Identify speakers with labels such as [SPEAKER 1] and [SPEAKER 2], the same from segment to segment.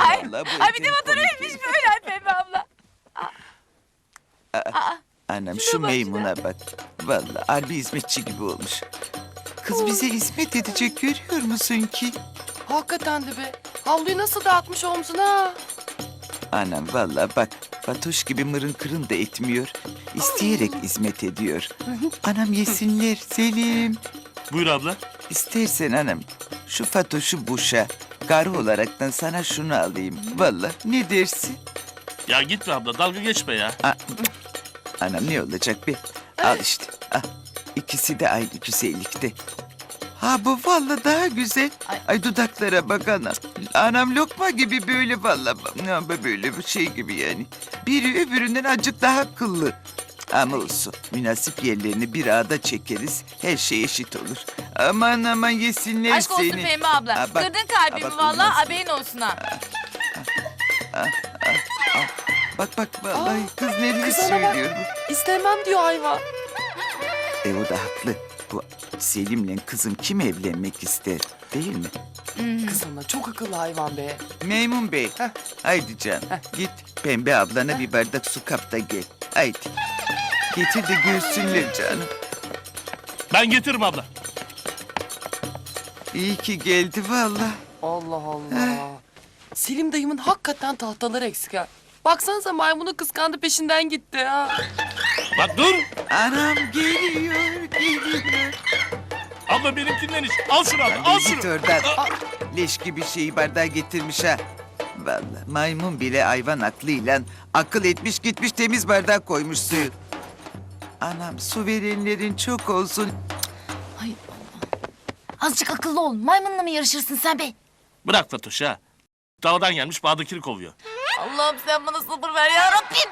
[SPEAKER 1] Ay,
[SPEAKER 2] Vallahi bu
[SPEAKER 1] ay bir de
[SPEAKER 2] eteğin
[SPEAKER 1] fotoğrafıymış böyle ay Pembe abla.
[SPEAKER 2] Anam şu Meymun'a bak. Vallahi harbi hizmetçi gibi olmuş. Kız bize hizmet edecek görüyor musun ki?
[SPEAKER 3] Hakikaten de be. Havluyu nasıl dağıtmış omzuna?
[SPEAKER 2] Anam vallahi bak. Fatoş gibi mırın kırın da etmiyor. İsteyerek hizmet ediyor. Anam yesinler Selim.
[SPEAKER 4] Buyur abla.
[SPEAKER 2] İstersen anam şu Fatoş'u boşa. Karı olaraktan sana şunu alayım. Vallahi ne dersin?
[SPEAKER 4] Ya gitme abla dalga geçme ya.
[SPEAKER 2] Anam ne olacak be? Al işte. Al. İkisi de aynı güzellikte. Ha bu vallahi daha güzel. Ay dudaklara bak anam. Anam lokma gibi böyle vallahi. Ya böyle bir şey gibi yani. Biri öbüründen azıcık daha kıllı. Ama olsun. Münasip yerlerini bir ağda çekeriz. Her şey eşit olur. Aman aman yesinler
[SPEAKER 1] Aşk olsun
[SPEAKER 2] seni.
[SPEAKER 1] Pembe abla.
[SPEAKER 2] Ha, bak.
[SPEAKER 1] Kırdın kalbimi
[SPEAKER 2] Ha, bak,
[SPEAKER 1] vallahi
[SPEAKER 2] olmaz.
[SPEAKER 1] haberin olsun ha.
[SPEAKER 2] Bak bak vallahi kız neler
[SPEAKER 3] kız ana bak.
[SPEAKER 2] söylüyor bu.
[SPEAKER 3] İstemem diyor hayvan.
[SPEAKER 2] O da haklı. Bu Selim'le kızım kim evlenmek ister değil mi?
[SPEAKER 3] Kız ana çok akıllı hayvan be.
[SPEAKER 2] Meymun Bey.
[SPEAKER 3] Heh.
[SPEAKER 2] Haydi canım. Git Pembe ablana bir bardak su kap da gel. Haydi. Getir de görsünler canım.
[SPEAKER 4] Ben getiririm abla.
[SPEAKER 2] İyi ki geldi vallahi.
[SPEAKER 3] Allah Allah. Selim dayımın hakikaten tahtaları eksik ha. Baksanıza maymunu kıskandı peşinden gitti ha.
[SPEAKER 4] Bak dur.
[SPEAKER 2] Anam geliyor, geliyor.
[SPEAKER 4] Abla benimkinden iç. Al şunu abla al
[SPEAKER 2] Git
[SPEAKER 4] şunu.
[SPEAKER 2] oradan. Leş gibi şeyi bardağa getirmiş ha. Vallahi maymun bile hayvan aklıyla akıl etmiş gitmiş temiz bardağa koymuş suyu. Anam su verenlerin çok olsun.
[SPEAKER 1] Ay azıcık akıllı ol. Maymunla mı yarışırsın sen be?
[SPEAKER 4] Bırak Fatoş ha. Dağdan gelmiş bağdakini kovuyor.
[SPEAKER 1] Allah'ım sen bana sabır ver ya Rabbim.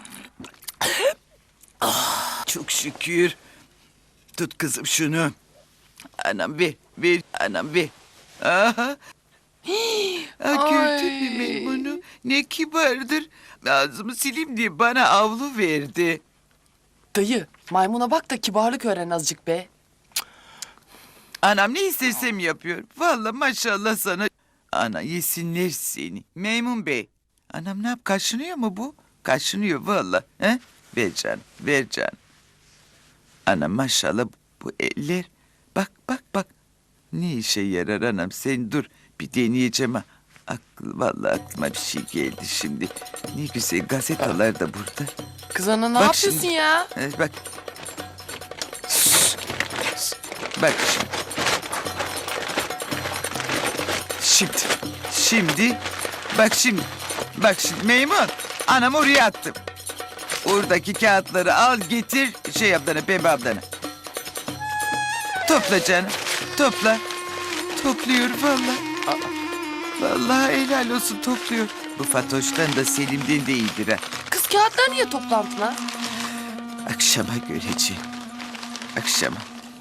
[SPEAKER 2] Çok şükür. Tut kızım şunu. Anam ver, ver anam ver. Aha. Gördün mü
[SPEAKER 3] Ay.
[SPEAKER 2] Meymunu? Ne kibardır. Ağzımı sileyim diye bana avlu verdi.
[SPEAKER 3] Dayı maymuna bak da kibarlık öğren azıcık be.
[SPEAKER 2] Anam ne istersem yapıyor. Vallahi maşallah sana. Ana yesinler seni. Meymun Bey. Anam ne yap kaşınıyor mu bu? Kaşınıyor vallahi. He? Ver canım, ver canım. Anam maşallah bu eller. Bak bak bak. Ne işe yarar anam sen dur. Bir deneyeceğim ha. Vallahi aklıma bir şey geldi şimdi. Ne güzel gazetalar da burada.
[SPEAKER 3] Kız ana ne
[SPEAKER 2] Bak
[SPEAKER 3] yapıyorsun
[SPEAKER 2] şimdi.
[SPEAKER 3] ya?
[SPEAKER 2] Bak. Bak şimdi. Şimdi. Bak şimdi. Bak şimdi Meymun. Anam oraya attım. Oradaki kağıtları al getir. Şey ablana Pembe ablana. Topla canım. Topla. Topluyor vallahi. Vallahi helal olsun topluyor. Bu Fatoş'tan da Selim'den de iyidir ha.
[SPEAKER 3] Kız kağıtlar niye toplantın ha?
[SPEAKER 2] Akşama göreceğim. Akşama.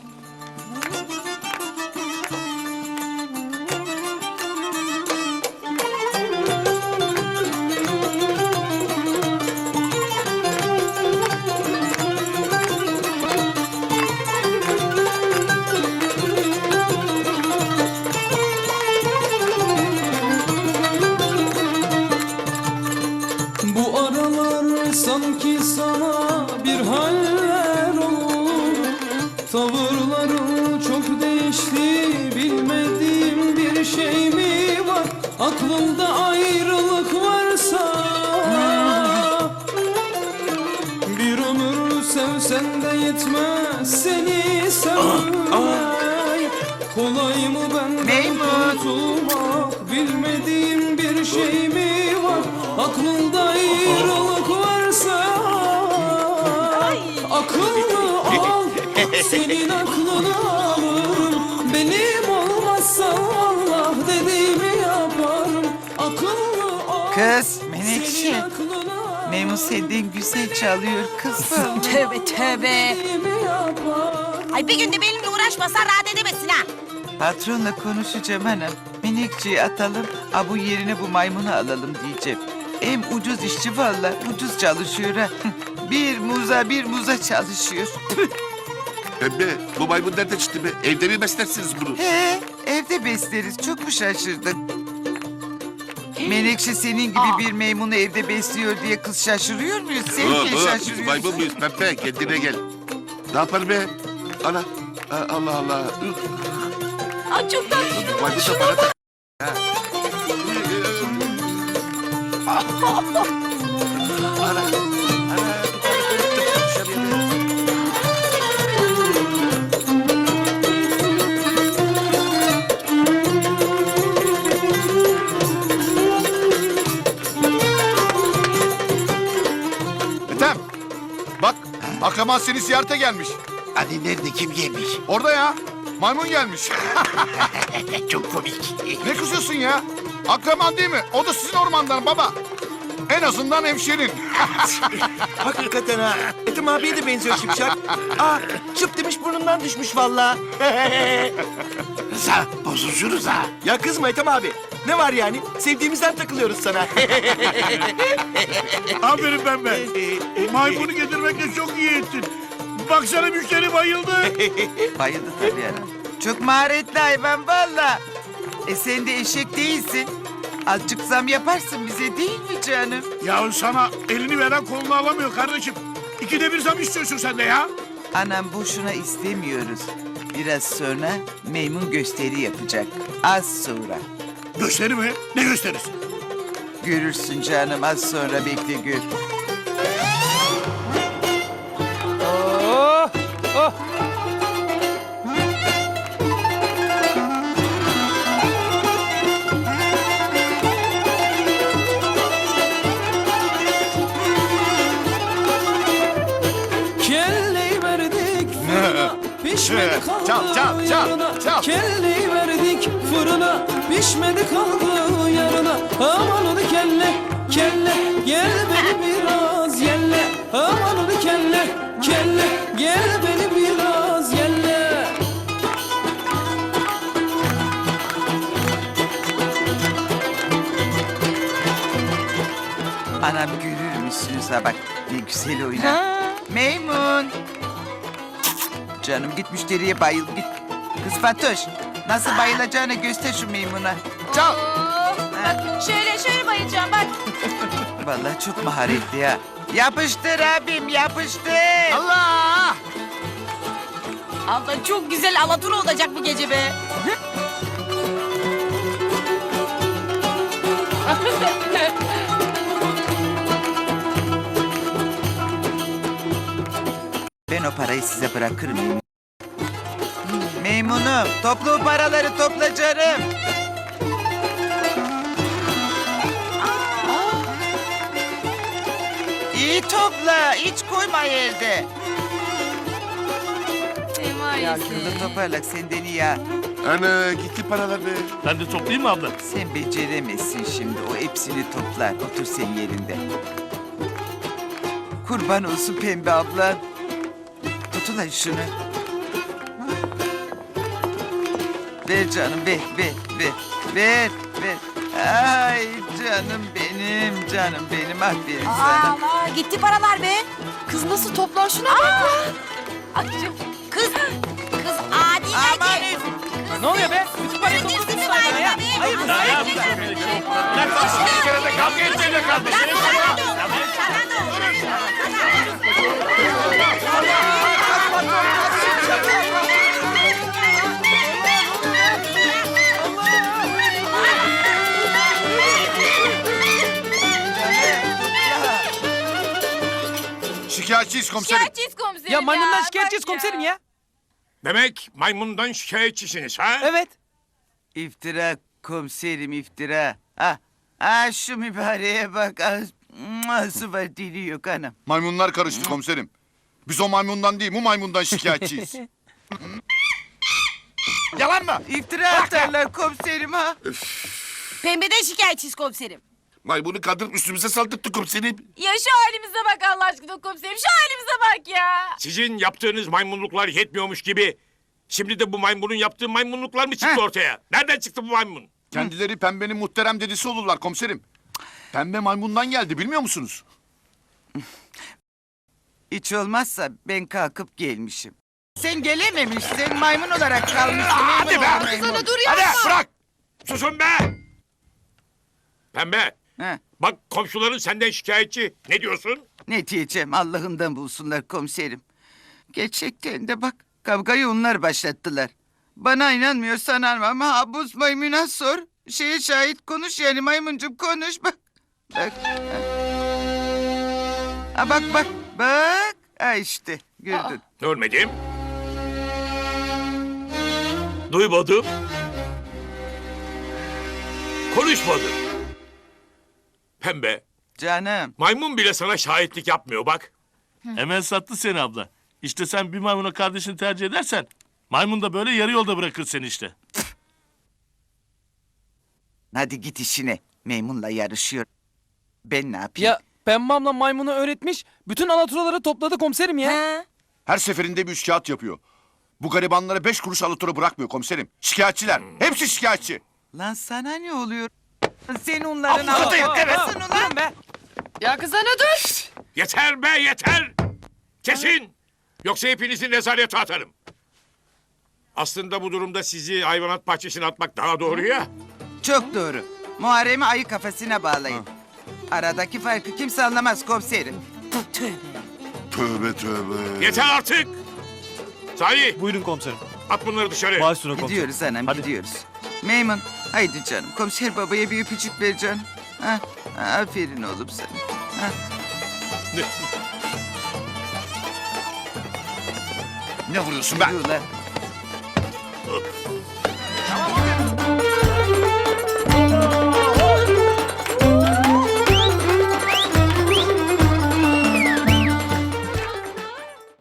[SPEAKER 5] Bu aralar sanki sana bir haller oldu. Tavırların çok değişti, bilmediğim bir şey mi var? Aklında ayrılık varsa bir ömür sevsen de yetmez seni sevmek. Kolay mı benden
[SPEAKER 2] Meymun.
[SPEAKER 5] kurtulmak, bilmediğim bir şey mi var? Aklında ayrılık varsa akıllı ol, senin aklını alırım. Benim olmazsa Allah dediğimi yaparım. Akıllı ol,
[SPEAKER 2] Kız
[SPEAKER 5] senin
[SPEAKER 2] Menekşe.
[SPEAKER 5] aklını alırım.
[SPEAKER 2] Meymun senden güzel çalıyor kızım.
[SPEAKER 1] Tövbe tövbe.
[SPEAKER 5] Dediğimi yaparım.
[SPEAKER 1] Ay bir günde benimle uğraşmasan rahat edemezsin ha.
[SPEAKER 2] Patronla konuşacağım hanım. Menekşe'yi atalım, bu yerine bu maymunu alalım diyeceğim. Hem ucuz işçi valla, ucuz çalışıyor ha. Bir muza çalışıyor.
[SPEAKER 6] Pembe, bu maymun nerede çıktı be? Evde mi beslersiniz bunu?
[SPEAKER 2] He, evde besleriz. Çok mu şaşırdın? Menekşe senin gibi bir meymunu evde besliyor diye kız şaşırıyor muyuz? Sen niye
[SPEAKER 6] Biz
[SPEAKER 2] şaşırıyorsun?
[SPEAKER 6] maymun muyuz Pembe? Kendine gel. Ne yapar be? Ana. Allah Allah.
[SPEAKER 1] Ay çok tatlı.
[SPEAKER 6] Maymun da bana tak. Ha. Ana. Ana.
[SPEAKER 7] Ethem, bak akraban seni ziyarete gelmiş.
[SPEAKER 6] Hani nerede kim yemiş?
[SPEAKER 7] Orada ya, maymun gelmiş.
[SPEAKER 6] Çok komik.
[SPEAKER 7] Ne kızıyorsun ya? Akraban değil mi? O da sizin ormandan baba. En azından hemşerin.
[SPEAKER 8] Hakikaten ha. Ethem abiye de benziyor Şipşak. Aa, çıp demiş burnundan düşmüş valla.
[SPEAKER 6] Rıza bozuşuruz ha.
[SPEAKER 8] Ya kızma Ethem abi. Ne var yani? Sevdiğimizden takılıyoruz sana.
[SPEAKER 9] Aferin Pembe. Maymunu getirmekle çok iyi ettin. Baksana müşteri bayıldı.
[SPEAKER 2] Bayıldı tabii anam. Çok maharetli hayvan valla. Sen de eşek değilsin. Azıcık zam yaparsın bize değil mi canım?
[SPEAKER 9] Ya sana elini veren kolunu alamıyor kardeşim. İkide bir zam istiyorsun sen de ya.
[SPEAKER 2] Anam boşuna istemiyoruz. Biraz sonra Meymun gösteri yapacak. Az sonra.
[SPEAKER 9] Gösteri mi? Ne gösterisi?
[SPEAKER 2] Görürsün canım az sonra bekle gör.
[SPEAKER 5] Kelleyi verdik fırına, pişmedi kaldı
[SPEAKER 7] Çal, çal, çal,
[SPEAKER 5] yarına.
[SPEAKER 7] çal.
[SPEAKER 5] Kelleyi verdik fırına, pişmedi kaldı yarına. Aman onu kelle, kelle, gel beni biraz yelle. Aman onu kelle, kelle, gel beni biraz yelle.
[SPEAKER 2] Anam görür müsünüz ha bak ne güzel oynar. Meymun. Canım git müşteriye bayıl git. Kız Fatoş nasıl bayılacağını göster şu meymuna.
[SPEAKER 7] Çal.
[SPEAKER 1] Bak şöyle bayılacağım bak.
[SPEAKER 2] Vallahi çok maharetli ya. Yapıştır abim yapıştır.
[SPEAKER 7] Allah!
[SPEAKER 1] Abla çok güzel alatura olacak bu gece be.
[SPEAKER 2] Ben o parayı size bırakırım. Meymunum topla o paraları topla canım. İyi topla hiç koyma yerde. Ya kızı toparlak senden iyi ya.
[SPEAKER 6] Ana gitti paralar be.
[SPEAKER 4] Ben de toplayayım mı abla?
[SPEAKER 2] Sen beceremezsin şimdi o hepsini toplar. Otur sen yerinde. Kurban olsun pembe ablan. Tut ulan şunu. Ver canım ver. Ver. Ay canım benim aferin sana.
[SPEAKER 1] Aa gitti paralar be.
[SPEAKER 3] Kız nasıl toplar şuna bak.
[SPEAKER 1] Kız adi
[SPEAKER 2] Aman
[SPEAKER 3] Ne oluyor be? Bütün parayı topladın sen ya. Hayır mı?
[SPEAKER 4] Bir kere de kavga etmeyle kardeşim.
[SPEAKER 7] Şikayetçiyiz komiserim.
[SPEAKER 3] Ya maymundan şikayetçiyiz komiserim ya.
[SPEAKER 9] Demek maymundan şikayetçisiniz ha?
[SPEAKER 3] Evet.
[SPEAKER 2] İftira komiserim iftira. Şu mübareğe bak. Nasıl var dili yok anam.
[SPEAKER 7] Maymunlar karıştı komiserim. Biz o maymundan değil, bu maymundan şikayetçiyiz. Yalan mı?
[SPEAKER 2] İftira atarlar komiserim ha.
[SPEAKER 1] Pembeden şikayetçiyiz komiserim.
[SPEAKER 6] Maymunu kandırıp üstümüze saldırttı komiserim.
[SPEAKER 1] Ya şu halimize bak Allah aşkına komiserim. Şu halimize bak ya.
[SPEAKER 9] Sizin yaptığınız maymunluklar yetmiyormuş gibi. Şimdi de bu maymunun yaptığı maymunluklar mı çıktı ortaya? Nereden çıktı bu maymun?
[SPEAKER 7] Kendileri pembenin muhterem dedisi olurlar komiserim. Pembe maymundan geldi bilmiyor musunuz?
[SPEAKER 2] Hiç olmazsa ben kalkıp gelmişim. Sen gelememişsin maymun olarak kalmışsın.
[SPEAKER 9] Hadi be!
[SPEAKER 2] Maymun.
[SPEAKER 9] Hadi bırak! Susun be! Pembe.
[SPEAKER 2] Ha,
[SPEAKER 9] Bak komşuların senden şikayetçi. Ne diyorsun?
[SPEAKER 2] ne diyeceğim Allah'ından bulsunlar komiserim. Gerçekten de bak kavgayı onlar başlattılar. Bana inanmıyorsan ama Abuz Maymun'a sor. Şeye şahit konuş yani maymuncum konuş bak. Bak. Ha, bak bak bak. Ha işte gördün.
[SPEAKER 9] Görmedim. Duymadım. Konuşmadım. Pembe,
[SPEAKER 2] Canım.
[SPEAKER 9] maymun bile sana şahitlik yapmıyor bak.
[SPEAKER 4] Hemen sattı seni abla. İşte sen bir maymuna kardeşini tercih edersen... ...maymun da böyle yarı yolda bırakır seni işte.
[SPEAKER 2] Hadi git işine. Maymunla yarışıyor. Ben ne yapayım?
[SPEAKER 5] Ya Pembe abla maymunu öğretmiş. Bütün alaturaları topladı komiserim ya.
[SPEAKER 7] Her seferinde bir üç kağıt yapıyor. Bu garibanlara 5 kuruş alıtura bırakmıyor komiserim. Şikayetçiler. Hepsi şikayetçi.
[SPEAKER 2] Lan sana ne oluyor? Sen onların
[SPEAKER 5] Aa,
[SPEAKER 2] avukatı
[SPEAKER 5] aa,
[SPEAKER 2] yapamazsın ulan.
[SPEAKER 5] durun be.
[SPEAKER 3] Ya kız ana dur.
[SPEAKER 9] Yeter be yeter! Kesin! Yoksa hepinizi nezarete atarım. Aslında bu durumda sizi hayvanat bahçesine atmak daha doğru ya.
[SPEAKER 2] Çok doğru. Muharrem'i ayı kafasına bağlayın. Aradaki farkı kimse anlamaz komiserim.
[SPEAKER 6] Tövbe tövbe.
[SPEAKER 9] Yeter artık! Salih
[SPEAKER 5] Buyurun komiserim.
[SPEAKER 9] at bunları dışarı.
[SPEAKER 5] Baş üstüne komiserim.
[SPEAKER 2] Gidiyoruz anam
[SPEAKER 5] Hadi.
[SPEAKER 2] gidiyoruz. Meymun haydi canım komiser babaya bir öpücük ver canım. Ha, aferin oğlum sana. Ha.
[SPEAKER 7] Ne vuruyorsun be?
[SPEAKER 2] Yürü ulan.
[SPEAKER 8] Tamam abi.